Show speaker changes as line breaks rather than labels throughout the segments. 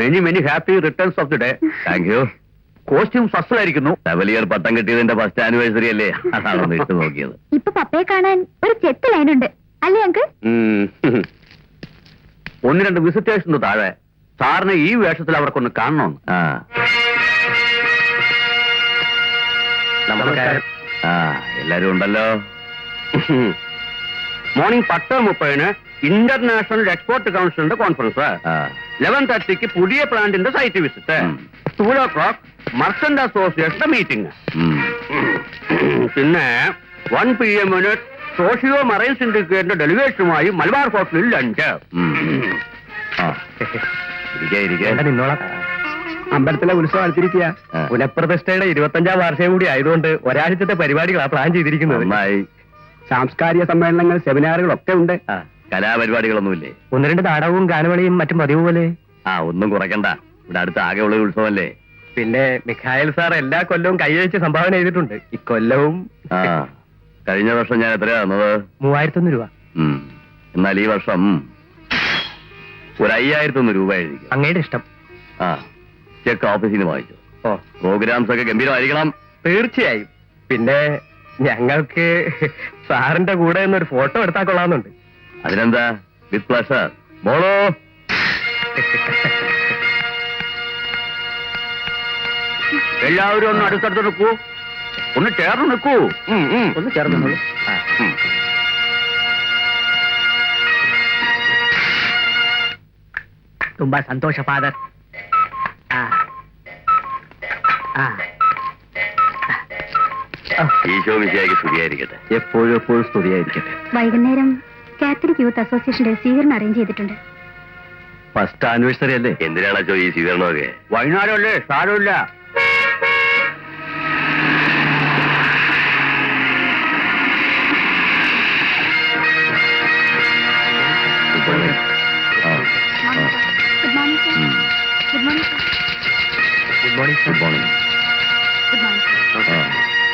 Many many happy returns of the day. Thank you. Costume ഫസ്റ്റിലായിരിക്കുന്നു. ലെവലിയർ പട്ടം കിട്ടിയതിന്റെ ഫസ്റ്റ് ആനിവേഴ്സറി അല്ലേ, അതാണൊന്ന് ഇട്ട് നോക്കിയത്.
ഇപ്പൊ പപ്പയെ കാണാൻ ഒരു ചെത്ത് ലൈനുണ്ട് അല്ലേ അങ്കിൾ?
ഒന്ന് രണ്ട് വിസിറ്റേഴ്സിന് താഴെ സാറിന് ഈ വേഷത്തിൽ അവർക്കൊന്ന് കാണണമെന്ന്.
നമസ്കാരം.
എല്ലാരും ഉണ്ടല്ലോ.
മോർണിംഗ് 10:30 ഇന്റർനാഷണൽ എക്സ്പോർട്ട് കൗൺസിലിന്റെ കോൺഫറൻസ്. 11:30 പുതിയ പ്ലാന്റിന്റെ സൈറ്റ് വിസിറ്റ്. 2 മർച്ചന്റ് അസോസിയേഷന്റെ മീറ്റിംഗ്. പിന്നെ 1 PM സോഷ്യോ മറൈൻ സിൻഡിക്കേറ്റിന്റെ ഡെലിഗേഷനുമായി മലബാർ ഹോട്ടലിൽ ലഞ്ച്.
നിന്നോളാം.
അമ്പലത്തിലെ ഉത്സവം അടുത്തിരിക്കുക. പുനഃപ്രതിഷ്ഠയുടെ 25ാം വാർഷികം കൂടി ആയതുകൊണ്ട് ഒരാഴ്ചത്തെ പരിപാടികളാണ് പ്ലാൻ ചെയ്തിരിക്കുന്നത്. സാംസ്കാരിക സമ്മേളനങ്ങൾ, സെമിനാറുകളൊക്കെ ഉണ്ട്.
കലാപരിപാടികളൊന്നുമില്ലേ?
1-2 നാടകവും ഗാനമേളയും മറ്റും പതിവ് പോലെ.
ഒന്നും കുറയ്ക്കണ്ട. ഇവിടെ അടുത്ത് ആകെയുള്ള ഉത്സവമല്ലേ.
പിന്നെ മിഖായൽ സാർ എല്ലാ കൊല്ലവും കൈയഴിച്ച് സംഭാവന ചെയ്തിട്ടുണ്ട്. ഇക്കൊല്ലവും
കഴിഞ്ഞ വർഷം ഞാൻ എത്രയാ തന്നത്?
3001 രൂപ.
എന്നാൽ ഈ വർഷം ഒരു 5001 രൂപ എഴുതിക്കും.
അങ്ങയുടെ ഇഷ്ടം.
ചെക്ക് ഓഫീസിൽ നിന്ന് വാങ്ങിച്ചു. പ്രോഗ്രാംസ് ഒക്കെ ഗംഭീരമായിരിക്കണം.
തീർച്ചയായും. പിന്നെ ഞങ്ങൾക്ക് സാറിന്റെ കൂടെ ഒരു ഫോട്ടോ എടുത്താൽ കൊള്ളാമെന്നുണ്ട്.
അതിനെന്താ, വിത്ത് പ്ലഷർ. മോളോ,
എല്ലാവരും ഒന്ന് അടുത്തടുത്ത് നിൽക്കൂ. ഒന്ന് ചേർന്ന് നിൽക്കൂ. ഒന്ന് ചേർന്ന്. ತುಂಬಾ ಸಂತೋಷ ಫಾದರ್.
ഈശോ മിശിഹായ്ക്ക് സ്തുതിയായിരിക്കട്ടെ.
എപ്പോഴും എപ്പോഴും സ്തുതിയായിരിക്കട്ടെ.
വൈകുന്നേരം കാത്തലിക് യൂത്ത് അസോസിയേഷന്റെ സ്വീകരണം അറേഞ്ച് ചെയ്തിട്ടുണ്ട്.
ഫസ്റ്റ് ആനിവേഴ്സറി അല്ലേ? എന്തിനാണോ ഈ സ്വീകരണമൊക്കെ?
വൈകുന്നേരമല്ലേ, സാരമില്ല.
Good morning sir. Good morning sir.
Good morning.
Good morning.
Good morning.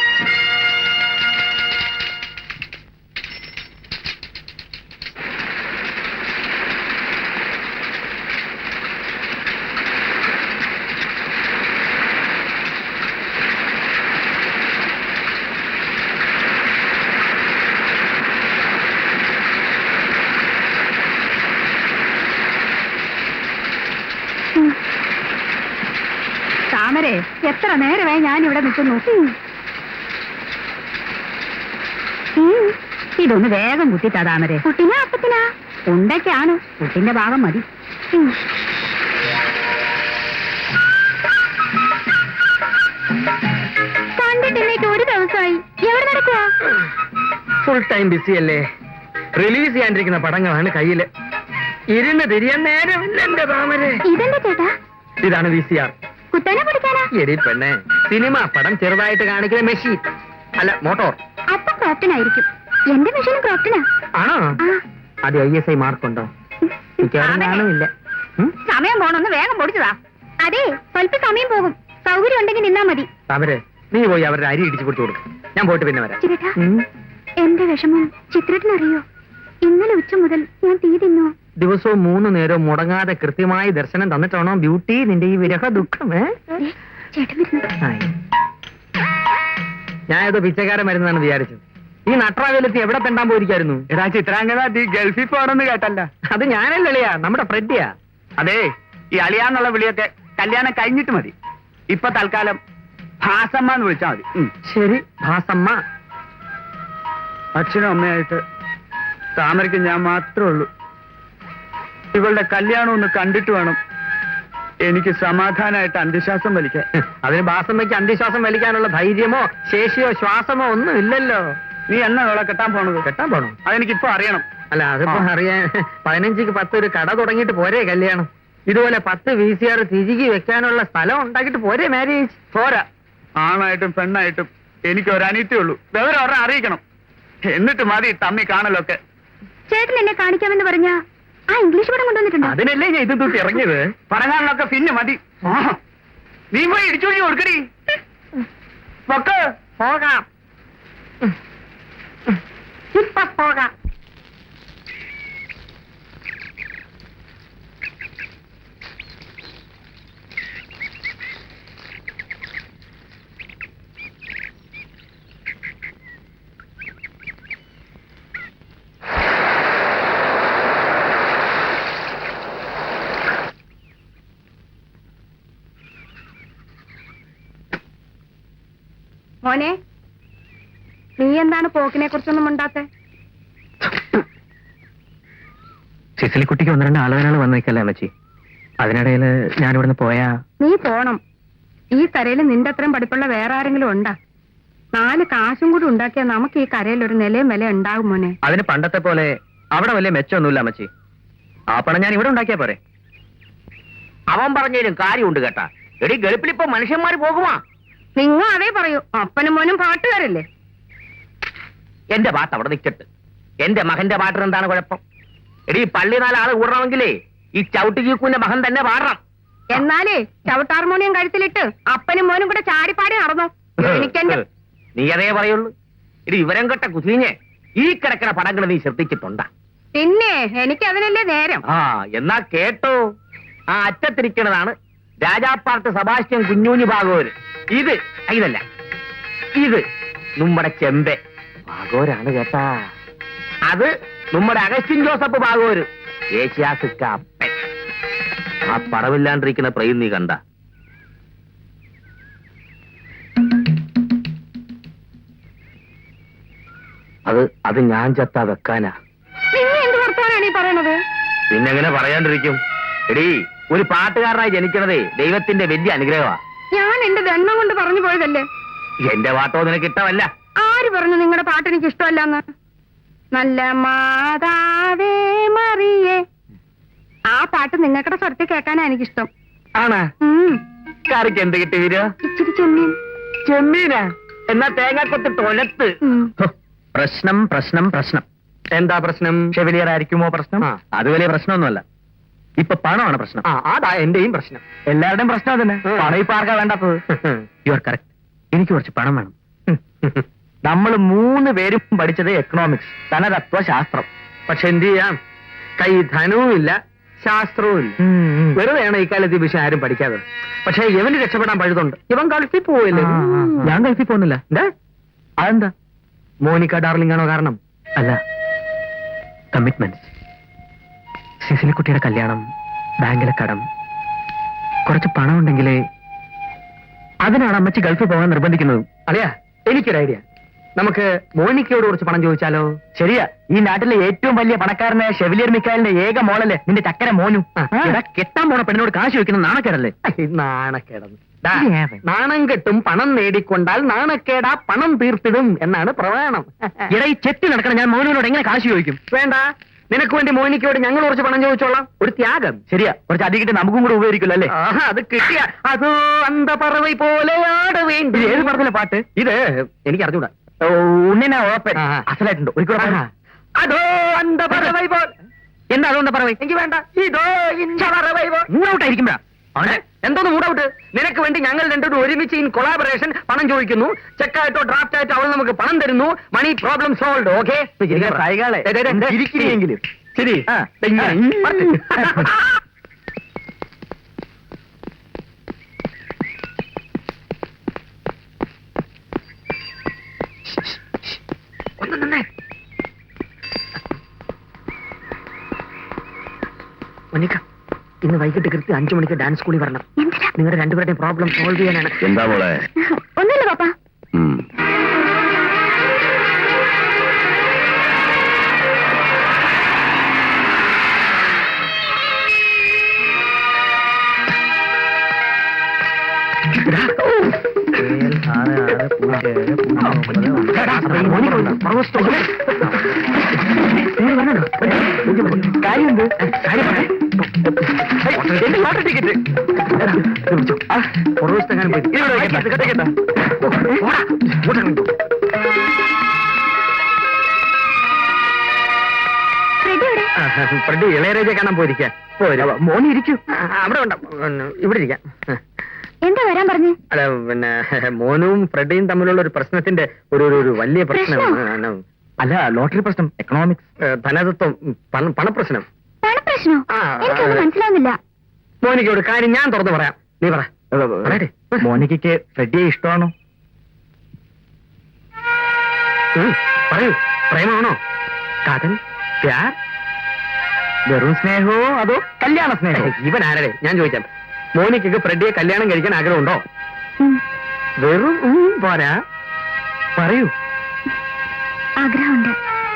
താമരെ, എത്ര നേരമായി ഞാൻ ഇവിടെ നിൽക്കുന്നു. ഇതൊന്ന് വേഗം കുത്തിട്ടാ താമരെ. കുട്ടിനാ അപ്പത്തിനാ ഉണ്ടൊക്കെയാണ്. കുട്ടിന്റെ ഭാഗം മതി. കണ്ടിട്ടില്ലേക്ക് ഒരു ദിവസമായി. എവിടെ നടക്കുക?
ഫുൾ ടൈം ബിസി അല്ലേ. റിലീസ് ചെയ്യാണ്ടിരിക്കുന്ന പടങ്ങളാണ് കയ്യില്. ഇരുന്ന് തിരിയാൻ നേരമില്ല എന്റെ താമരെ.
ഇതെന്താ ചേട്ടാ?
ഇതാണ് VCR.
കുത്തനെ പിടിക്കാനാ?
എടി പെണ്ണെ, സിനിമ പടം ചെറുതായിട്ട് കാണിക്കുന്ന മെഷീൻ അല്ല, മോട്ടോർ.
അപ്പൊ ക്രോപ്റ്റനായിരിക്കും. എന്റെ മെഷീനും ക്രോപ്റ്റനാ.
ആണോ? അത് ISI മാർക്കുണ്ടോ? കാണുമില്ല.
സമയം പോണൊന്ന് വേഗം പൊടിച്ചതാ. അതെ, സ്വല്പ സമയം പോകും. സൗകര്യം ഉണ്ടെങ്കിൽ നിന്നാ മതി.
താമരെ, നീ പോയി അവരുടെ അരി ഇടിച്ചു കൊടുത്തു കൊടുക്കും. ഞാൻ പോയിട്ട് പിന്നെ വരാം.
ചിരേട്ടാ, എന്റെ വിഷമം ചിത്രത്തിനറിയോ? ഇന്നലെ ഉച്ച മുതൽ ഞാൻ തീ തിന്നു.
ദിവസവും 3 നേരവും മുടങ്ങാതെ കൃത്യമായി ദർശനം തന്നിട്ടാണോ ബ്യൂട്ടി നിന്റെ ഈ വിരഹ ദുഃഖം? ഞാൻ ഏതോ പിച്ചക്കാരൻ വരുന്നതാണ് വിചാരിച്ചത്. ഈ നട്രാവേലത്തി എവിടെ തെണ്ടാൻ പോയിരിക്കായിരുന്നു?
എടാ ചിത്രാംഗത, നീ ഗൾഫിൽ പോകണമെന്ന് കേട്ടല്ല.
അത് ഞാനല്ല അളിയാ, നമ്മുടെ ഫ്രെഡിയാ.
അതെ, ഈ അളിയാന്നുള്ള വിളിയൊക്കെ കല്യാണം കഴിഞ്ഞിട്ട് മതി. ഇപ്പൊ തൽക്കാലം ഭാസമ്മ എന്ന് വിളിച്ചാൽ മതി.
ശരി, ഭാസമ്മ.
അച്ഛനും അമ്മയായിട്ട് താമരയ്ക്ക് ഞാൻ മാത്രമേ ഉള്ളൂ. ഇവളുടെ കല്യാണം ഒന്ന് കണ്ടിട്ട് വേണം എനിക്ക് സമാധാനമായിട്ട് അന്ത്യശ്വാസം വലിക്കാൻ.
അതിന് ഭാസമ്മയ്ക്ക് അന്ത്യശ്വാസം വലിക്കാനുള്ള ധൈര്യമോ ശേഷിയോ ശ്വാസമോ ഒന്നും ഇല്ലല്ലോ.
നീ എന്നാ അവളെ കെട്ടാൻ പോണത്?
കെട്ടാൻ പോണോ?
അതെനിക്കിപ്പോ അറിയണം.
അല്ല, അതിപ്പോ അറിയാൻ 15ക്ക് 10 ഒരു കട തുടങ്ങിയിട്ട് പോരെ കല്യാണം? ഇതുപോലെ 10 VCR തിരികെ വെക്കാനുള്ള സ്ഥലം ഉണ്ടാക്കിയിട്ട് പോരെ മാരേജ്?
പോരാ. ആണായിട്ടും പെണ്ണായിട്ടും എനിക്ക് ഒരു അനിയത്തേ ഉള്ളൂ. വിവരം അവരെ അറിയിക്കണം. എന്നിട്ട് മതി തമ്മി കാണലൊക്കെ.
ചേട്ടൻ എന്നെ കാണിക്കാമെന്ന് പറഞ്ഞ ആ ഇംഗ്ലീഷ് പടം കൊണ്ടുവന്നിട്ടുണ്ടോ?
അതിനല്ലേ ഞാൻ ഇത് തൂട്ടി ഇറങ്ങിയത്.
പടങ്ങാനൊക്കെ പിന്നെ മതി. നീ പോയി ഇടിച്ചോടി കൊടുക്കടി.
പോകാം, ഇപ്പൊ പോകാം.
മോനെ, നീ എന്താണ് പോക്കിനെ കുറിച്ചൊന്നും ഉണ്ടാത്തെ?
സിസിലിക്കുട്ടിക്ക് ഒന്ന് രണ്ട് ആളുകളാണ് വന്നേക്കല്ലേ അമ്മച്ചി. അതിനിടയിൽ ഞാനിവിടുന്ന് പോയാ
നീ പോണം. ഈ കരയിൽ നിന്റെ അത്രയും പഠിപ്പുള്ള വേറെ ആരെങ്കിലും ഉണ്ടാ? 4 കാശും കൂടി ഉണ്ടാക്കിയാൽ നമുക്ക് ഈ കരയിൽ ഒരു നിലയും വില ഉണ്ടാകും മോനെ.
അതിന് പണ്ടത്തെ പോലെ അവിടെ വലിയ മെച്ചമൊന്നുമില്ല അമ്മച്ചി. ആ പണം ഞാൻ ഇവിടെ ഉണ്ടാക്കിയാ പോരെ.
അവൻ പറഞ്ഞതിലും കാര്യമുണ്ട് കേട്ടാ. എടി ഗൾഫിലിപ്പോ മനുഷ്യന്മാര് പോകുമാ.
നിങ്ങൾ അതേ പറയൂ. അപ്പനും മോനും പാട്ടുകാരല്ലേ?
എന്റെ പാട്ട് അവിടെ നിൽക്കട്ട്. എന്റെ മകന്റെ പാട്ടിന് എന്താണ് കുഴപ്പം? എടി പള്ളി 4 ആള് കൂടണമെങ്കിലേ ഈ ചവിട്ടി ചീക്കുവിന്റെ മകൻ തന്നെ പാടണം.
എന്നാലേ ചവിട്ടാർമോണിയം കഴുത്തിലിട്ട് അപ്പനും മോനും കൂടെ ചാടിപ്പാടി നടന്നു. എനിക്കെന്റെ
നീ അതേ പറയുള്ളൂ. എടി വിവരം കെട്ട കുസീഞ്ഞ് ഈ കിടക്കണ പടങ്ങൾ നീ ശ്രദ്ധിച്ചിട്ടുണ്ടാ?
പിന്നെ എനിക്ക് അതിനല്ലേ നേരം.
ആ എന്നാ കേട്ടോ. ആ അറ്റത്തിരിക്കണതാണ് രാജാപ്പാർട്ട് സെബാസ്റ്റ്യൻ കുഞ്ഞൂഞ്ഞി ഭാഗവര്. ഇതല്ല, ഇത് നമ്മുടെ ചെമ്പെ ഭാഗവരാണ് കേട്ടാ. അത് നമ്മുടെ അഗസ്റ്റിൻ ജോസഫ് ഭാഗവര്, ഏഷ്യാസിക്ക അപ്പൻ. ആ പടവില്ലാണ്ടിരിക്കുന്ന പ്രയും നീ കണ്ട? അത് ഞാൻ ചത്താ വെക്കാനാ.
നിങ്ങൾ എന്ത് വർത്താനാണ് ഈ പറയണത്?
പിന്നെങ്ങനെ പറയാണ്ടിരിക്കും? എടീ, ഒരു പാട്ടുകാരനായി ജനിക്കണതേ ദൈവത്തിന്റെ വലിയ അനുഗ്രഹമാ.
ഞാൻ എന്റെ ദണ്ണം കൊണ്ട് പറഞ്ഞു പോയതല്ലേ.
എന്റെ പാട്ടോ നിനക്ക് ഇഷ്ടമല്ല.
ആര് പറഞ്ഞു നിങ്ങളുടെ പാട്ട് എനിക്ക് ഇഷ്ടമല്ലെന്ന്? നല്ല മാതാവേ മറിയേ, ആ പാട്ട് നിങ്ങൾക്കടെ സ്വരത്തിൽ കേൾക്കാനാ എനിക്കിഷ്ടം.
ആണാ? കറിക്ക് എന്ത് കിട്ടി വീര?
ഇച്ചിരി ചെമ്മീൻ.
ചെമ്മീനാ? എന്നാ തേങ്ങാക്കൊത്ത് തൊലത്ത്.
പ്രശ്നം പ്രശ്നം പ്രശ്നം.
എന്താ പ്രശ്നം?
ഷെവിലിയർ ആയിരിക്കുമോ പ്രശ്നം? അത് വലിയ പ്രശ്നമൊന്നുമല്ല. ഇപ്പൊ പണമാണ് പ്രശ്നം.
അതാ എന്റെയും പ്രശ്നം.
എല്ലാവരുടെയും പ്രശ്നം അതന്നെ. പണം ഇപ്പൊ ആർക്കാ വേണ്ടാത്തത്? You are correct. എനിക്ക് കുറച്ച് പണം വേണം. നമ്മൾ 3 പേരും പഠിച്ചത് എക്കണോമിക്സ്, ധനതത്വ ശാസ്ത്രം.
പക്ഷെ എന്ത് ചെയ്യാം? കൈ ധനവും ഇല്ല, ശാസ്ത്രവും ഇല്ല. വെറുതെയാണ് ഇക്കാലത്ത് ഈ വിഷയം ആരും പഠിക്കാതെ. പക്ഷെ ഇവന് രക്ഷപ്പെടാൻ പഴുതുണ്ട്. ഇവൻ ഗൾഫിൽ പോവില്ലേ?
ഞാൻ ഗൾഫിൽ പോകുന്നില്ല.
എന്താ?
അതെന്താ?
മോനിക്ക ഡാർലിംഗ് ആണോ കാരണം?
അല്ല, കമ്മിറ്റ്മെന്റ്. സിസിലിക്കുട്ടിയുടെ കല്യാണം, ബാങ്കിലെ കടം, കുറച്ച് പണം ഉണ്ടെങ്കിലേ. അതിനാണ് അമ്മച്ചി ഗൾഫിൽ പോകാൻ നിർബന്ധിക്കുന്നത്.
അറിയാ, എനിക്കൊരു ഐഡിയ. നമുക്ക് മോനിക്കയോട് കുറച്ച് പണം ചോദിച്ചാലോ?
ശരിയാ. ഈ നാട്ടിലെ ഏറ്റവും വലിയ പണക്കാരനായ ഷെവിലിയർ മിക്കാലിന്റെ ഏക മോളല്ലേ നിന്റെ ചക്കര മോനു. കെട്ടാൻ പോണ പെണ്ണിനോട് കാശ് ചോദിക്കുന്ന നാണക്കേടല്ലേ?
നാണക്കേടെന്ന്. നാണം കെട്ടും പണം നേടിക്കൊണ്ടാൽ നാണക്കേടാ പണം തീർത്തിടും എന്നാണ് പ്രമാണം.
ഇട ഈ ചെത്തി നടക്കണം. ഞാൻ മോനുവിനോട് എങ്ങനെ കാശ് ചോദിക്കും?
വേണ്ട, നിനക്ക് വേണ്ടി മോനിക്കയോട് ഞങ്ങൾ കുറച്ച് പണം ചോദിച്ചോളാം. ഒരു ത്യാഗം.
ശരിയാ, കുറച്ച് അധികം കിട്ടി നമുക്കും കൂടെ ഉപയോഗിക്കില്ല അല്ലേ?
അത് കിട്ടിയ അതോ അന്തപറവൈ പോലെ ആട വേണ്ടി.
ഇത് ഏത് പറഞ്ഞില്ല പാട്ട്?
ഇത് എനിക്ക് അറിഞ്ഞൂടാ.
ഉണ്ണിനാ ഓപ്പൻ അസലായിട്ടുണ്ട്. ഒരിക്കലും
അതോ അന്തപറവൈ പോലെ.
എന്താ അതുകൊണ്ട് പറവേ?
എനിക്ക് വേണ്ട. ഇതോ ഇഞ്ചറവൈ പോലെ.
മൂടൗട്ടായിരിക്കുമ്പോഴാ
എന്തോന്ന് മൂടൗട്ട്? നിനക്ക് വേണ്ടി ഞങ്ങൾ രണ്ടും ഒരുമിച്ച് ഇൻ കൊളാബറേഷൻ പണം ചോദിക്കുന്നു. ചെക്കായിട്ടോ ഡ്രാഫ്റ്റ് ആയിട്ടോ അവൾ നമുക്ക് പണം തരുന്നു. Money problem solve. ഓക്കെ?
ഇരിക്കുകയെങ്കിലും
ശരി. ഒന്ന് നിന്നേ. മോനിക്ക, ഇന്ന് വൈകിട്ട് കൃത്യം 5 മണിക്ക് ഡാൻസ് സ്കൂളിൽ വരണം. നിങ്ങളുടെ രണ്ടുപേരുടെയും പ്രോബ്ലം സോൾവ് ചെയ്യാനാണ്.
എന്താ മോളെ?
ഒന്നുമില്ല പാപ്പ.
കാര്യമുണ്ട്.
ടിക്കറ്റ് പുറവശത്തെങ്ങാനും പോയി. ഫ്രെഡി ഇളയരാജ കാണാൻ പോയിരിക്കാം.
മോനെ ഇരിക്കൂ.
അവിടെ ഉണ്ട്, ഇവിടെ ഇരിക്കാം.
എന്താ വരാൻ പറഞ്ഞു?
അല്ല, പിന്നെ മോനും ഫ്രെഡിയും തമ്മിലുള്ള ഒരു പ്രശ്നത്തിന്റെ ഒരു വലിയ പ്രശ്നമാണ്.
അല്ല, ലോട്ടറി പ്രശ്നം, എക്കണോമിക്സ്,
ധനതത്വം, പണപ്രശ്നം.
പണപ്രശ്നോ? എനിക്കൊന്നും മനസ്സിലാവുന്നില്ല.
മോനിക്കോട് കാര്യം ഞാൻ തുറന്നു പറയാം. നീ പറ.
മോനിക്കയ്ക്ക് ഫ്രെഡിയെ ഇഷ്ടമാണോ?
പറയൂ. പ്രേമാണോ? കാതൽ, പ്യാർ,
വെറും സ്നേഹമോ അതോ കല്യാണ സ്നേഹമോ?
ഇവൻ ആരുടെ? ഞാൻ ചോദിക്കാം. മോനിക്കയ്ക്ക് ഫ്രെഡിയെ കല്യാണം കഴിക്കാൻ ആഗ്രഹമുണ്ടോ? വെറും പോരാ,
പറയൂ.
ആഗ്രഹമുണ്ട്.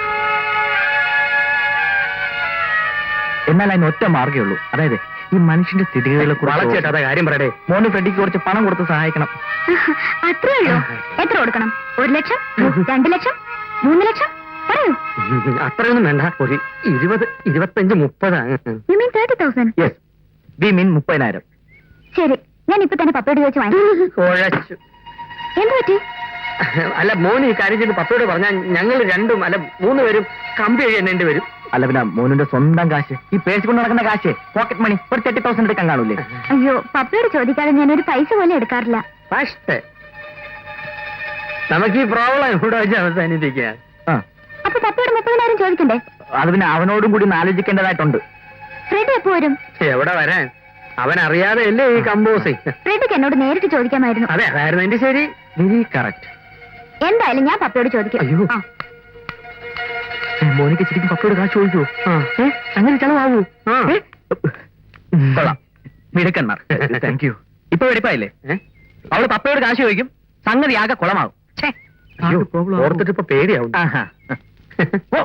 എന്നാൽ അതിന് ഒറ്റ മാർഗ്ഗേ ഉള്ളൂ. അതായത് ഈ മനുഷ്യന്റെ സ്ഥിതിഗതികളെ
വളച്ചേട്ടാ കാര്യം പറയടേ.
മോന് ഫ്രെഡിക്ക് കുറച്ച് പണം കൊടുത്ത് സഹായിക്കണം.
അത്രേ ഉള്ളൂ. എത്ര കൊടുക്കണം? 1 ലക്ഷം, 2 ലക്ഷം, 3 ലക്ഷം? പറയൂ.
അത്രയൊന്നും വേണ്ട. ഒരു 20, 25, 30.
You mean 30,000?
Yes, we mean 30,000.
ശരി, ഞാൻ ഇപ്പൊ തന്നെ പപ്പയോട് ചോദിച്ചു വാങ്ങി.
കുഴച്ചു.
എന്ത് പറ്റി?
അല്ല, മോന് ഈ കാര്യം ചെയ്ത് പപ്പയോട് പറഞ്ഞാൽ ഞങ്ങൾ 3 പേരും കമ്പി എഴുതേണ്ടി വരും.
അല്ല പിന്നെ മോനിന്റെ സ്വന്തം കാശ്, ഈ പേഴ്സ് കൊണ്ട് നടക്കുന്ന കാശ്, പോക്കറ്റ് മണി ഒരു 30,000 എടുക്കാൻ കാണൂലേ?
അയ്യോ, പപ്പയോട് ചോദിക്കാതെ ഞാനൊരു പൈസ പോലും എടുക്കാറില്ല.
പക്ഷേ നമുക്ക് ഈ പ്രോബ്ലം ഇവിടെ വെച്ച് അവസാനിപ്പിക്കുക.
ആ,
അപ്പൊ പപ്പയോട് 30,000 ചോദിക്കണ്ടേ?
അത് പിന്നെ അവനോടും കൂടി ഒന്ന് ആലോചിക്കേണ്ടതായിട്ടുണ്ട്.
ഫ്രെഡ് എപ്പോ വരും?
എവിടെ വരാൻ, അവൻ അറിയാതെ അല്ലേ ഈ കമ്പോസിങ്.
ഫ്രെഡിക്ക് എന്നോട് നേരിട്ട് ചോദിക്കാമായിരുന്നു.
അതെ, അതായിരുന്നു എന്റെ ശരി.
Very correct.
എന്തായാലും ഞാൻ പപ്പയോട് ചോദിക്കും.
അയ്യോ.
ആ.
മോനിക്ക് ശരിക്കും പപ്പയോട് കാശ് ചോദിക്കൂ? അങ്ങനെ ചെലവാകൂ? കൊള്ളാം, മിടുക്കന്മാർ. Thank you. ഇപ്പൊ വെടിപ്പായില്ലേ? അവള് പപ്പയോട് കാശ് ചോദിക്കും, സംഗതി ആകെ കുളമാകും.
അയ്യോ, ഓർത്തിട്ട് ഇപ്പൊ പേടിയാവും.
ആഹാ. ഓ.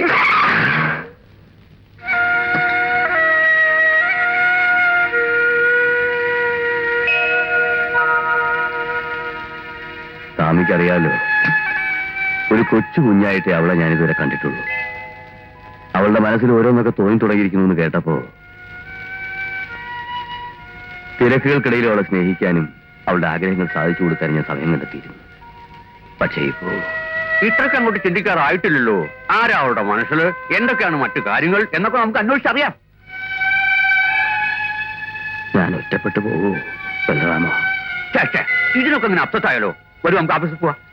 സ്വാമിക്കറിയാലോ, ഒരു കൊച്ചു കുഞ്ഞായിട്ടേ അവളെ ഞാനിതുവരെ കണ്ടിട്ടുള്ളൂ. അവളുടെ മനസ്സിൽ ഓരോന്നൊക്കെ തോന്നി തുടങ്ങിയിരിക്കുന്നു എന്ന് കേട്ടപ്പോ തിരക്കുകൾക്കിടയിൽ അവളെ സ്നേഹിക്കാനും അവളുടെ ആഗ്രഹങ്ങൾ സാധിച്ചു കൊടുക്കാൻ ഞാൻ സമയം കണ്ടെത്തിയിരുന്നു. പക്ഷേ ഇപ്പോ
ഇത്രയ്ക്ക് അങ്ങോട്ട് ചിന്തിക്കാറായിട്ടില്ലല്ലോ. ആരാ അവളുടെ മനസ്സിൽ, എന്തൊക്കെയാണ് മറ്റു കാര്യങ്ങൾ എന്നൊക്കെ നമുക്ക് അന്വേഷിച്ചറിയാം.
ഞാൻ ഒറ്റപ്പെട്ടു പോകൂ ബലറാമോ?
ഇതിനൊക്കെ ഇങ്ങനെ അപ്സെറ്റായാലോ? വരും, നമുക്ക് ഓഫീസിൽ പോവാം.